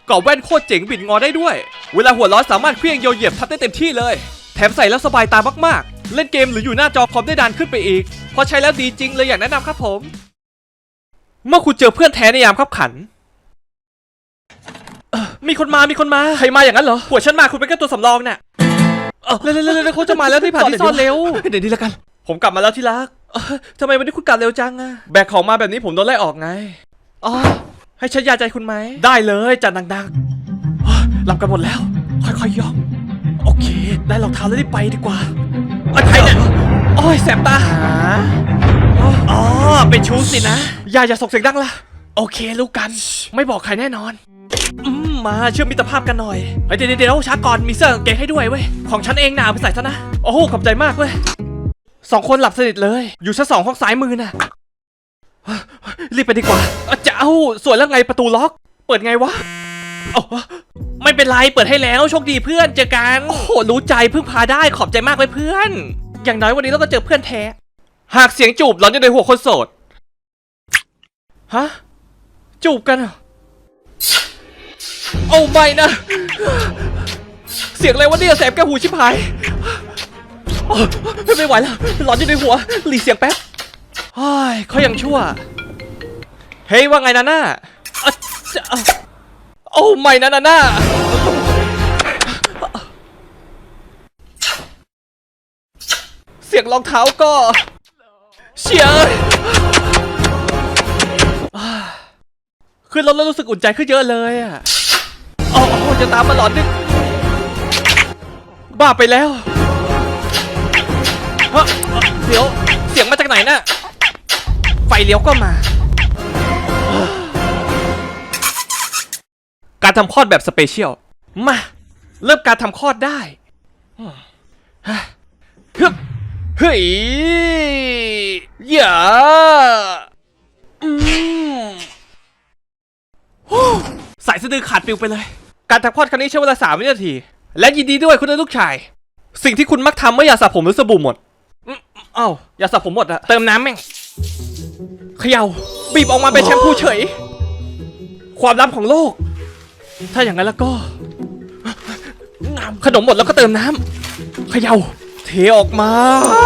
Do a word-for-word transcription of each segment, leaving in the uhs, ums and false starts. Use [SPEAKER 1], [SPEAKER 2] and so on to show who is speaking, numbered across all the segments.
[SPEAKER 1] กรอบแว่นโคตรเจ๋งบิดงอได้ด้วยเวลาหัวร้อนสามารถเคลื่อนโยเหยียบทับได้เต็มที่เลยแถมใส่แล้วสบายตามากๆเล่นเกมหรืออยู่หน้าจอคอมได้นานขึ้นไปอีกพอใช้แล้วดีจริงเลยอยากแนะนำครับผมเมื่อคุณเจอเพื่อนแท้ในยามขับขันมีคนมามีคนมาใครมาอย่างนั้นเหรอหัวฉันมาคุณเป็นแค่ตัวสำรองเนี่ยเร็วเร็วเร็วเขาจะมาแล้วที่ผ่านที่ซ่อนเร็วเดี๋ยวนี้แล้วกันผมกลับมาแล้วที่รักทำไมวันนี้คุณกลับเร็วจังอะแบกของมาแบบนี้ผมโดนไล่ออกไงอ๋อให้ฉันยาใจคุณไหมได้เลยจัดดังๆหลับกันหมดแล้วค่อยๆย่องโอเคได้รองเท้าแล้วได้ไปดีกว่าใครเนี่ยโอ้ยแสบตาอ๋อเป็นชู้สินะอย่าอย่าส่งเสียงดังละโอเครู้กันไม่บอกใครแน่นอนอืมมาเชื่อมมิตรภาพกันหน่อยเฮ้ยเดี๋ยวเดี๋ยวช้าก่อนมีเสื้อกางเกงให้ด้วยเว้ยของฉันเองหนาไปใส่ซะนะโอ้โหขอบใจมากเว้ยสองคนหลับสนิทเลยอยู่ชั้นสองห้องซ้ายมือน่ะรีบไปดีกว่าจะเอ้าส่วนแล้วไงประตูล็อกเปิดไงวะไม่เป็นไรเปิดให้แล้วโชคดีเพื่อนเจอกันโอ้โหรู้ใจพึ่งพาได้ขอบใจมากเลยเพื่อนอย่างน้อยวันนี้เราก็เจอเพื่อนแท้หากเสียงจูบหลอนอยู่ในหัวคนโสดฮะจูบกันเหรอโอ้ไม่นะเสียงอะไรวะเนี่ยแสบแก้วหูชิบหายไม่ไหวแล้วหลอนอยู่ในหัวหลีเสียงแป๊บเฮ้ยเขายังชั่วเฮ้ยว่าไงนาน่าโอ้ไม่นะนาน่าเสียงรองเท้าก็เชียร์ขึ้นรถแล้วรู้สึกอุ่นใจขึ้นเยอะเลยอ่ะโอ้โหจะตามมาหลอนนึกบ้าไปแล้วฮะเดี๋ยวเสียงมาจากไหนน่ะไฟเลี้ยวก็มาการทำคลอดแบบสเปเชียลมาเริ่มการทำคลอดได้ฮึบเฮ้ยอย่าอืมสายสะดือขาดปิวไปเลยการทำคลอดครั้งนี้ใช้เวลาสามวินาทีและยินดีด้วยคุณได้ลูกชายสิ่งที่คุณมักทำเมื่อยาสระผมหรือสบู่หมดอ้าวยาสระผมหมดอะเติมน้ำแม่งเขย่าบีบออกมาเป็นแชมพูเฉยความลับของโลกถ้าอย่างนั้นแล้วก็ขนมหมดแล้วก็เติมน้ำเขย่าเทออกมา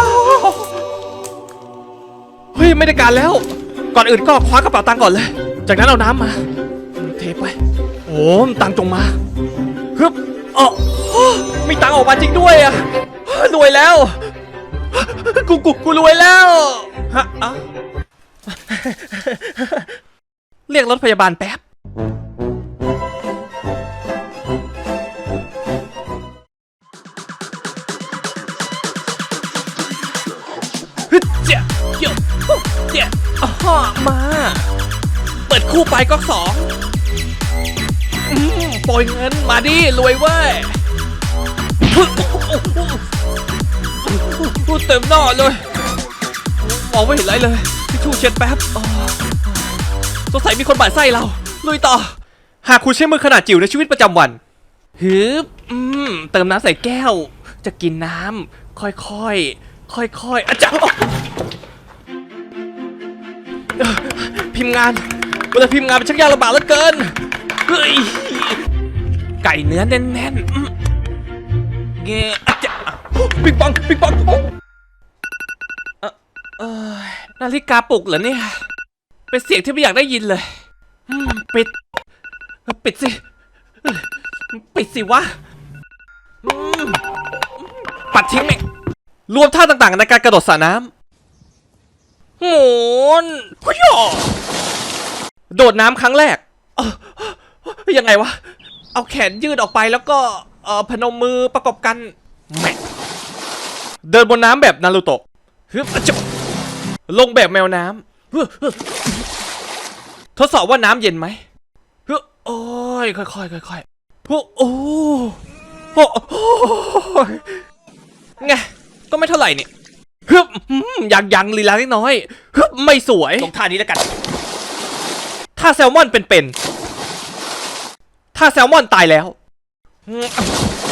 [SPEAKER 1] เฮ้ยไม่ได้การแล้วก่อนอื่นก็คว้ากระเป๋าตังค์ก่อนเลยจากนั้นเอาน้ำมาเทไปโอ้ตังค์จงมาฮึบอ๋อมีตังค์ออกมาจริงด้วยอะรวยแล้วกูกูกูรวยแล้วฮะอ่ะเรียกรถพยาบาลแป๊บฮึเจ๊เจ๊เจ๊อ๋อมาเปิดคู่ไปก็สองอืมปล่อยเงินมาดิรวยเว้ยพูดเต็มหน้าเลยมองไม่เห็นไรเลยทิชชู่เช็ดแป๊บสงสัยมีคนบาดไส้เราลุยต่อหากคุณใช้มือขนาดจิ๋วในชีวิตประจำวันฮึบอืมเติมน้ำใส่แก้วจะกินน้ำค่อยๆค่อยๆอาจารย์พิมพ์งานเวลาพิมพ์งานเป็นช่างยากลำบากเหลือเกินเฮ้ยไก่เนื้อแน่นๆเงี้ยอาจารย์ปิ๊งปองปิ๊งปองเออนาฬิกาปลุกเหรอเนี่ยเป็นเสียงที่ไม่อยากได้ยินเลยปิดปิดสิปิดสิวะปัดทิ้งไหมรวมท่าต่างๆในการกระโดดสระน้ำโหนพยอโดดน้ำครั้งแรกยังไงวะเอาแขนยืดออกไปแล้วก็เอ่อพนมมือประกบกันแม่เดินบนน้ำแบบนารูโตะฮึบจะลงแบบแมวน้ำทดสอบว่าน้ำเย็นไหมฮึโอ้ยค่อยๆค่อยๆโอ้โอ้โอ้ไงก็ไม่เท่าไหร่เนี่ยฮึบยังยังลีลาเล็กน้อยฮึบไม่สวยลงท่านี้แล้วกันท่าแซลมอนเป็นๆท่าแซลมอนตายแล้ว